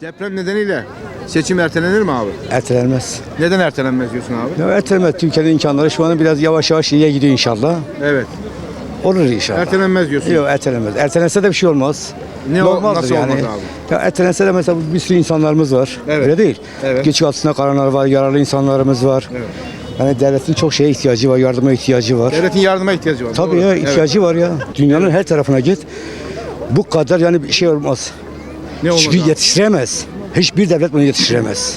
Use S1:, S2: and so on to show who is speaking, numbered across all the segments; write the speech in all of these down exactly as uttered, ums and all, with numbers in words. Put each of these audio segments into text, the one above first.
S1: Deprem nedeniyle seçim ertelenir mi abi?
S2: Ertelenmez.
S1: Neden ertelenmez diyorsun abi?
S2: Ya ertelenmez. Türkiye'nin imkanları şu an biraz yavaş yavaş iyiye gidiyor inşallah.
S1: Evet.
S2: Olur inşallah.
S1: Ertelenmez diyorsun.
S2: Yok ertelenmez. Ertelense de bir şey olmaz.
S1: Ne o-
S2: Normaldir
S1: nasıl
S2: yani.
S1: olmaz abi?
S2: Ya ertelense de mesela bir sürü insanlarımız var.
S1: Evet.
S2: Öyle değil.
S1: Evet.
S2: Göçük altında kalanlar var, yaralı insanlarımız var.
S1: Evet.
S2: Yani devletin çok şeye ihtiyacı var, yardıma ihtiyacı var.
S1: Devletin yardıma ihtiyacı var.
S2: Tabii
S1: doğru.
S2: ya
S1: Evet.
S2: ihtiyacı var ya. Dünyanın her tarafına git. Bu kadar yani bir şey olmaz.
S1: Ne olmaz
S2: Çünkü
S1: abi?
S2: yetiştiremez. Hiçbir devlet bunu yetiştiremez.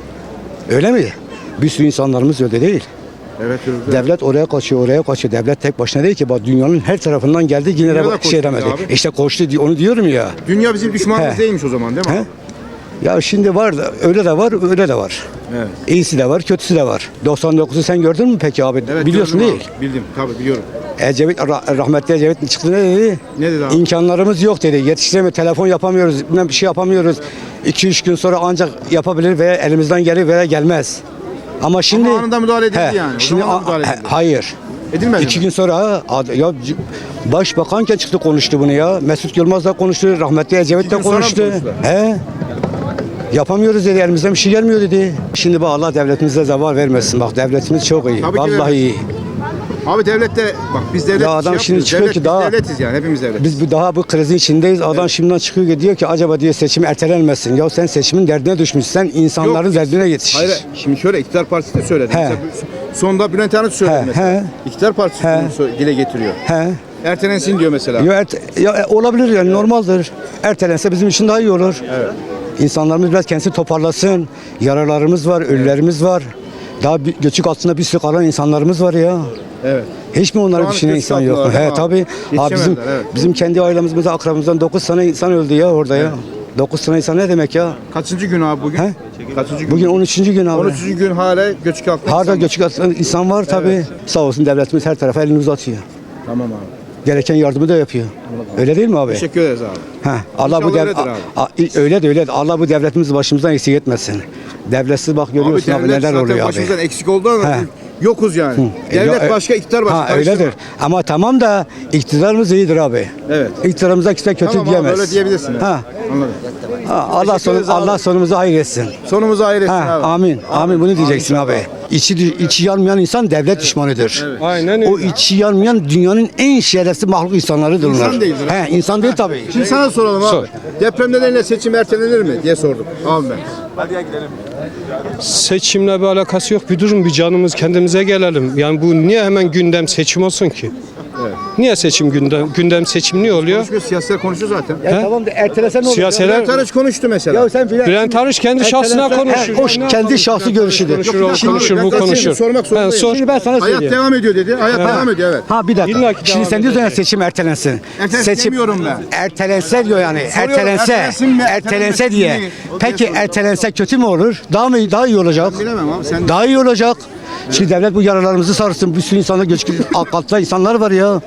S2: Öyle mi? Bir sürü insanlarımız öyle değil.
S1: Evet. evet.
S2: Devlet oraya kaçıyor, oraya kaçıyor. Devlet tek başına değil ki. Bak dünyanın her tarafından geldi yine
S1: Dünya da
S2: de
S1: koştu
S2: şey demedi.
S1: abi.
S2: İşte koştu diye- onu diyorum ya.
S1: Dünya bizim düşmanımız
S2: He.
S1: değilmiş o zaman değil mi
S2: He?
S1: abi?
S2: Ya şimdi var da öyle de var, öyle de var.
S1: Evet.
S2: İyisi de var, kötüsü de var. doksan dokuzu sen gördün mü peki abi?
S1: Evet,
S2: Biliyorsun
S1: gördüm
S2: değil.
S1: abi. Bildim tabii biliyorum.
S2: Ecevit, rah- rahmetli Ecevit çıktı ne dedi?
S1: Ne dedi abi?
S2: İmkanlarımız yok dedi. Yetiştiremiyor, telefon yapamıyoruz, bilmem bir şey yapamıyoruz. iki üç gün sonra ancak yapabilir veya elimizden gelir veya gelmez. Ama şimdi...
S1: anında müdahale edildi
S2: He,
S1: yani. O
S2: Şimdi,
S1: zaman da
S2: a-
S1: müdahale
S2: he,
S1: edildi.
S2: hayır.
S1: Edilmedi
S2: İki
S1: mi?
S2: gün sonra ad- ya c- başbakanken çıktı konuştu bunu ya. Mesut Yılmaz da konuştu, rahmetli Ecevit
S1: İki
S2: de
S1: gün sonra mı
S2: konuştu.
S1: konuştular?
S2: He. Yapamıyoruz dedi, elimizden bir şey gelmiyor dedi. Şimdi bak Allah devletimize zeval vermesin. Bak devletimiz çok iyi.
S1: Tabii ki
S2: Vallahi
S1: vermesin.
S2: iyi.
S1: Abi devlet de bak biz devlet
S2: Ya adam
S1: şey
S2: şimdi
S1: yapmıyoruz.
S2: çıkıyor
S1: devlet,
S2: ki
S1: biz
S2: daha-
S1: devletiz yani hepimiz devletiz.
S2: Biz bu daha bu krizin içindeyiz. Adam şimdiden çıkıyor ki diyor ki acaba diyor seçim ertelenmesin. Ya sen seçimin derdine düşmüşsen insanların
S1: Yok.
S2: derdine yetiş.
S1: Hayır şimdi şöyle iktidar partisi de söyledi.
S2: He.
S1: Mesela sonunda Bülent Arınç söyledi
S2: He,
S1: mesela.
S2: he.
S1: İktidar partisi
S2: He.
S1: bunu sö- dile getiriyor.
S2: He.
S1: Ertelensin diyor mesela.
S2: Ya, erte- ya e, olabilir yani normaldir. Ertelense bizim için daha iyi olur.
S1: Evet.
S2: İnsanlarımız biraz kendisi toparlasın. Yaralarımız var, ölülerimiz var. Daha bir, göçük altında bir sürü kalan insanlarımız var ya.
S1: Evet.
S2: Hiç mi
S1: Şu
S2: onları
S1: an
S2: düşünen
S1: göçük
S2: insan yok mu?
S1: altındalar,
S2: He
S1: değil mi
S2: tabii.
S1: abi?
S2: Abi bizim
S1: Yetişemediler, evet.
S2: bizim kendi ailemizde akrabamızdan dokuz tane insan öldü ya orada ya. dokuz tane insan ne demek ya?
S1: Kaçıncı gün abi bugün?
S2: He?
S1: Kaçıncı gün?
S2: Bugün on üçüncü gün abi.
S1: on üçüncü gün hala göçük altında.
S2: Harda
S1: insan var.
S2: göçük altında insan var tabii. Sağ olsun devletimiz her tarafa elini uzatıyor.
S1: Tamam abi.
S2: Gereken yardımı da yapıyor. Öyle değil mi abi?
S1: Teşekkür ederiz abi.
S2: Ha, Allah bu
S1: İnşallah
S2: dev
S1: öyledir
S2: a- a- öyle de öyle de Allah bu devletimizi başımızdan eksik etmesin. Devletsiz bak görüyorsun abi,
S1: devlet
S2: neler
S1: zaten
S2: oluyor abi.
S1: başımızdan eksik oldu ama
S2: He.
S1: yokuz yani.
S2: E,
S1: Devlet
S2: yo-
S1: başka, iktidar başka.
S2: Ha
S1: Karıştırma.
S2: öyledir. Ama tamam da iktidarımız iyidir abi.
S1: Evet.
S2: İktidarımıza kimse kötü
S1: Tamam abi,
S2: diyemez.
S1: öyle diyebilirsin. yani.
S2: Ha.
S1: Anladım.
S2: ha Allah
S1: Teşekkür
S2: sonu,
S1: ederiz abi.
S2: Allah sonumuzu hayır etsin.
S1: Sonumuzu hayır etsin
S2: Ha,
S1: abi.
S2: amin. Amin bunu diyeceksin abi. İçi içi yanmayan insan devlet düşmanıdır.
S3: Aynen
S2: O
S3: öyle.
S2: içi yanmayan dünyanın en şerefsiz mahluk insanlarıdır onlar.
S1: İnsan değildir.
S2: He, insan değil tabii.
S1: Şimdi sana soralım abi.
S3: Sor.
S1: Deprem nedeniyle seçim ertelenir mi diye sordum. Abi ben.
S3: Seçimle bir alakası yok. Bir durun bir canımız kendimize gelelim. Yani bu niye hemen gündem seçim olsun ki? Niye seçim gündem? Gündem seçim niye oluyor?
S1: Konuşuyor, siyasetler konuşuyor zaten.
S2: Ya tamam da ertelesen ne olur?
S3: Siyaseler-
S1: Bülent Arınç konuştu mesela.
S2: Ya sen
S3: Bülent Arınç kendi şahsına
S2: Ertelensen-
S3: konuşur.
S2: He, o
S3: Ne
S2: kendi
S3: yapalım?
S2: şahsi
S3: Bülent Arınç
S2: görüşüdür.
S3: Konuşur,
S1: Yok,
S3: o
S1: şimdi
S3: konuşur,
S1: ben
S3: bu
S1: zaten
S3: konuşur.
S1: sormak
S3: Ben
S1: zorundayım.
S3: sor.
S2: Şimdi ben sana
S1: Hayat
S2: söyleyeyim.
S1: devam ediyor dedi. Hayat devam ediyor evet.
S2: Ha bir dakika.
S3: İlla ki
S2: Şimdi
S3: devam
S2: sen diyorsun ya
S3: edecek.
S2: seçim ertelensin.
S1: Ertelensin demiyorum ben.
S2: Ertelense diyor yani. Ertelense.
S1: ertelensin mi,
S2: Ertelense
S1: ertelenmesin
S2: diye.
S1: mi? O
S2: Peki
S1: diye
S2: ertelense kötü mü olur? Daha mı daha iyi olacak?
S1: Bilemem abi sen.
S2: Daha iyi olacak. Şimdi devlet bu yaralarımızı sarsın. Bir sürü insanlar göçük altta insanlar var ya.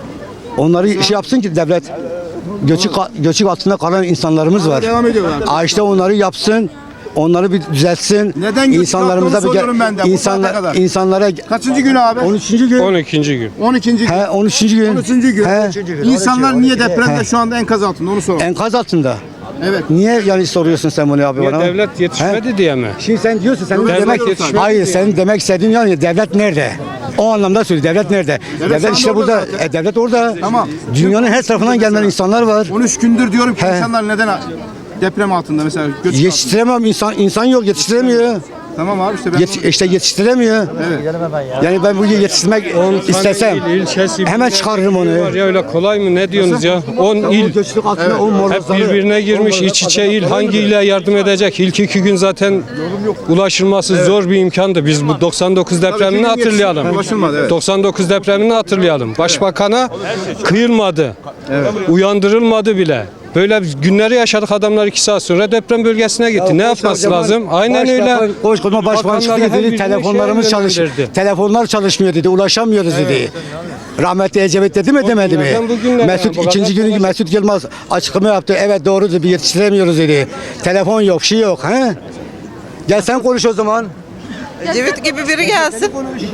S2: Onları şey yapsın ki devlet. Göçük göçük altında kalan insanlarımız var.
S1: Devam ediyorlar.
S2: Aa işte onları yapsın. Onları bir düzeltsin.
S1: Neden göçük
S2: İnsanlarımıza
S1: altında onu soruyorum ben de, bu
S2: insanlar
S1: saate kadar.
S2: insanlara
S1: Kaçıncı gün abi?
S2: on üçüncü gün.
S3: on ikinci gün.
S1: on ikinci gün.
S2: He on üçüncü gün.
S1: on üçüncü gün.
S2: He.
S1: İnsanlar niye depremde
S2: He.
S1: şu anda enkaz altında onu soralım.
S2: Enkaz altında.
S1: Evet.
S2: Niye yani soruyorsun sen bunu abi
S3: Niye
S2: bana?
S3: devlet yetişmedi
S2: He?
S3: diye mi?
S2: Şimdi sen diyorsun sen
S1: Devlet
S2: demek
S1: yetişmedi
S2: hayır
S3: diye.
S2: sen demek istediğin yani devlet nerede? O anlamda söyle devlet nerede? Devlet,
S1: şu anda
S2: işte
S1: orada
S2: burada.
S1: zaten.
S2: E, devlet orada.
S1: Tamam.
S2: Dünyanın her tarafından gelen insanlar var.
S1: on üç gündür diyorum ki
S2: He.
S1: insanlar neden deprem altında mesela göçük altında.
S2: Yetiştiremem insan insan yok yetiştiremiyor.
S1: Tamam abi işte ben
S2: Yet, işte yetiştiremiyor.
S1: Evet.
S2: Yani ben bu yetiştirmek istesem
S3: il, ilçesi,
S2: hemen çıkarırım onu.
S3: Var ya öyle kolay mı? Ne diyorsunuz ya? on il.
S2: Göçlük altında o
S3: Hep
S2: morozları-
S3: birbirine girmiş iç içe il. Hangi ile yardım edecek? İlk iki gün zaten ulaşılması zor bir imkandı. Biz bu doksan dokuz depremini
S1: gün
S3: hatırlayalım.
S1: yetişti, ulaşılmadı, evet.
S3: doksan dokuz depremini hatırlayalım. Başbakana kıyılmadı. Uyandırılmadı bile. Böyle günleri yaşadık, adamlar iki saat sonra deprem bölgesine gitti. Ne yapması lazım? Aynen öyle.
S2: Koskocaman başbakan çıktı
S3: Bakanlar her
S2: dedi
S3: birine
S2: telefonlarımız
S3: şeye
S2: çalış
S3: yönlendirdi.
S2: telefonlar çalışmıyor dedi. Ulaşamıyoruz dedi. Rahmetli Ecevit dedi mi demedi mi?
S3: günlerden bugünlere
S2: Mesut
S3: bu kadar
S2: ikinci günü
S3: kolay.
S2: Mesut Yılmaz açıklama yaptı. Evet doğrudur bir yetiştiremiyoruz dedi. Telefon yok, şey yok. He? Gel sen konuş o zaman.
S4: Ecevit gibi biri gelsin.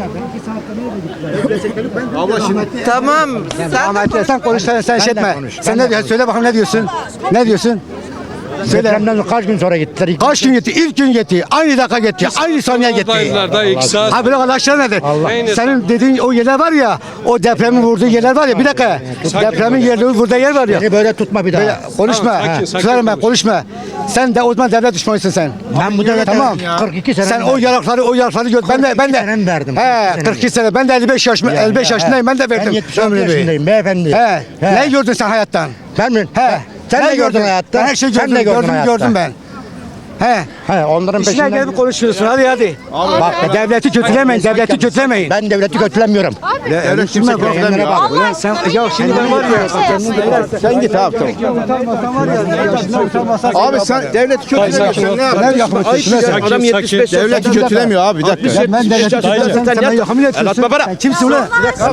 S1: abla şimdi
S4: Tamam. Sen de
S2: Ahmet sen konuş sen, sen şey etme. Sen ne diyorsun? Söyle bakalım ne diyorsun? Ne diyorsun? Söyle.
S5: Depremden kaç gün sonra gittiler?
S2: Kaç gün gitti? İlk gün gitti. Aynı dakika gitti. Aynı saniye gitti.
S3: Oradaydılar da iki saat.
S2: Abi bırak Allah aşkına nedir?
S3: Neyini-
S2: Senin dediğin o yerler var ya, o depremin vurduğu yerler var ya, bir dakika. Depremin yerleri vurduğu yer var ya.
S5: Beni böyle tutma bir daha.
S2: Böyle konuşma.
S3: Tamam, sakin,
S2: He.
S3: sakin
S2: Susarım ben,
S3: konuş.
S2: konuşma. Sen de o zaman devlet düşmanısın sen.
S5: Ben bu devlete
S2: Tamam.
S5: kırk iki sene
S2: Sen o yarakları o yarakları gör. Ben de ben de.
S5: sene mi verdim?
S2: He,
S5: kırk iki
S2: kırk iki sene. Ben de elli beş yaşım elli beş yaşındayım. Ben de verdim.
S5: Ben yetmiş altı
S2: ömrümü.
S5: yaşındayım beyefendi.
S2: He.
S5: He.
S2: Ne gördün sen hayattan?
S5: Ben mi?
S2: He.
S5: Sen ne gördün hayatta?
S2: Ben her şeyi
S5: Sen
S2: gördüm.
S5: ne gördün
S2: gördüm,
S5: hayatta?
S2: gördüm ben. He.
S5: He, onların
S2: İşine
S5: peşinden.
S2: gelip konuşuyorsun. Hadi hadi. Bak devleti kötülemeyin. Devleti kötülemeyin.
S5: Ben devleti kötülemiyorum.
S1: Devlet kimse kötülemiyor abi.
S2: Ulan sen ya şimdi ben var ya.
S1: Sen git abi tamam. Abi sen devleti kötülemiyorsun. Sen ne yapıyorsun? Ayıp ya.
S3: Sakin,
S1: Adam yetmiş beş
S3: sakin.
S1: Devleti kötülemiyor abi bir dakika.
S2: Ben devleti kötülemem. Sen bana yakın etmiyorsun. Sen kimsin ulan?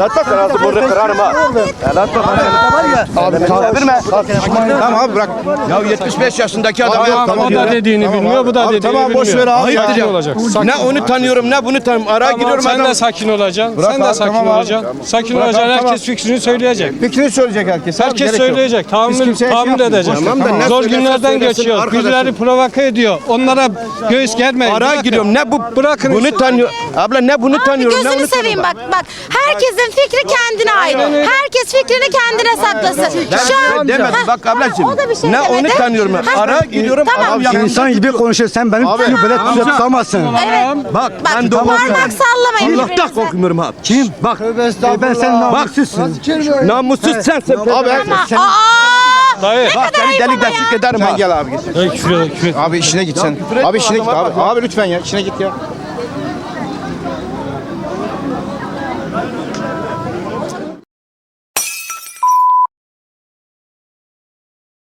S1: Tamam abi bırak.
S6: Ya yetmiş beş yaşındaki adam
S1: Abi,
S6: yok.
S1: tamam,
S3: O da
S1: ya.
S3: dediğini
S1: Tamam
S3: bilmiyor,
S1: abi.
S3: bu da
S1: Abi,
S3: dediğini
S1: tamam, boş
S3: bilmiyor.
S1: ver abi.
S3: Sakin
S6: Ya.
S3: olacaksın. Sakin
S6: Ne onu tanıyorum ne bunu tanıyorum. Araya
S3: Tamam,
S6: giriyorum
S3: sen
S6: adam.
S3: de sakin olacaksın.
S1: Bırak
S3: sen de
S1: abi,
S3: sakin
S1: tamam abi.
S3: olacaksın. Sakin
S1: Bırak
S3: olacaksın.
S1: abi,
S3: Herkes
S1: tamam.
S3: fikrini söyleyecek.
S1: Fikrini söyleyecek herkes. abi,
S3: Herkes
S1: gerek yok.
S3: söyleyecek.
S1: Biz
S3: Tahammül,
S1: kimseye şey
S3: tahammül
S1: yapmıyoruz.
S3: edecek.
S6: Tamam da ne
S3: Zor
S6: söylersen
S3: günlerden
S6: söylesin
S3: geçiyor.
S6: arkadaşım.
S3: Birileri provoke ediyor. Onlara göğüs germeyin.
S6: Araya
S3: Bırakın.
S6: giriyorum. Ne bu?
S3: Bırakın
S6: Bunu
S3: işte.
S6: tanıyor. Abla ne bunu
S7: Abi
S6: tanıyorum ne
S7: gözünü
S6: onu
S7: seveyim
S6: tanıyorum.
S7: bak bak. Herkesin fikri kendine ait. Herkes fikrini kendine saklasın.
S6: Ben
S7: Şu an
S6: demedim.
S7: Ha,
S6: Bak ablacığım.
S7: ha, o da bir şey
S6: Ne onu
S7: demedi.
S6: tanıyorum.
S7: Ha,
S6: Araya giriyorum.
S7: Tamam.
S6: Adam yapıyor.
S2: İnsan gibi konuşuyor. Sen benim
S1: Abi,
S2: böyle tutup tutamazsın.
S7: Evet.
S6: Bak
S7: Bak
S6: ben doğru.
S7: parmak sallamayın
S6: Allah'tan
S7: birbirinize.
S6: korkmuyorum abi.
S2: Kim? Bak. e, Ben sen namussuzsun.
S6: Namussuz sensin.
S1: Abi
S7: Ama aa!
S3: Dayı.
S6: Bak seni
S7: ayıp
S6: delik
S7: ama
S6: deşik
S7: ya.
S6: ederim
S1: sen
S6: ha.
S1: gel abi git.
S3: Dayı küfür et, küfür et.
S1: Abi işine git sen. Abi işine git abi. Abi lütfen ya işine git ya.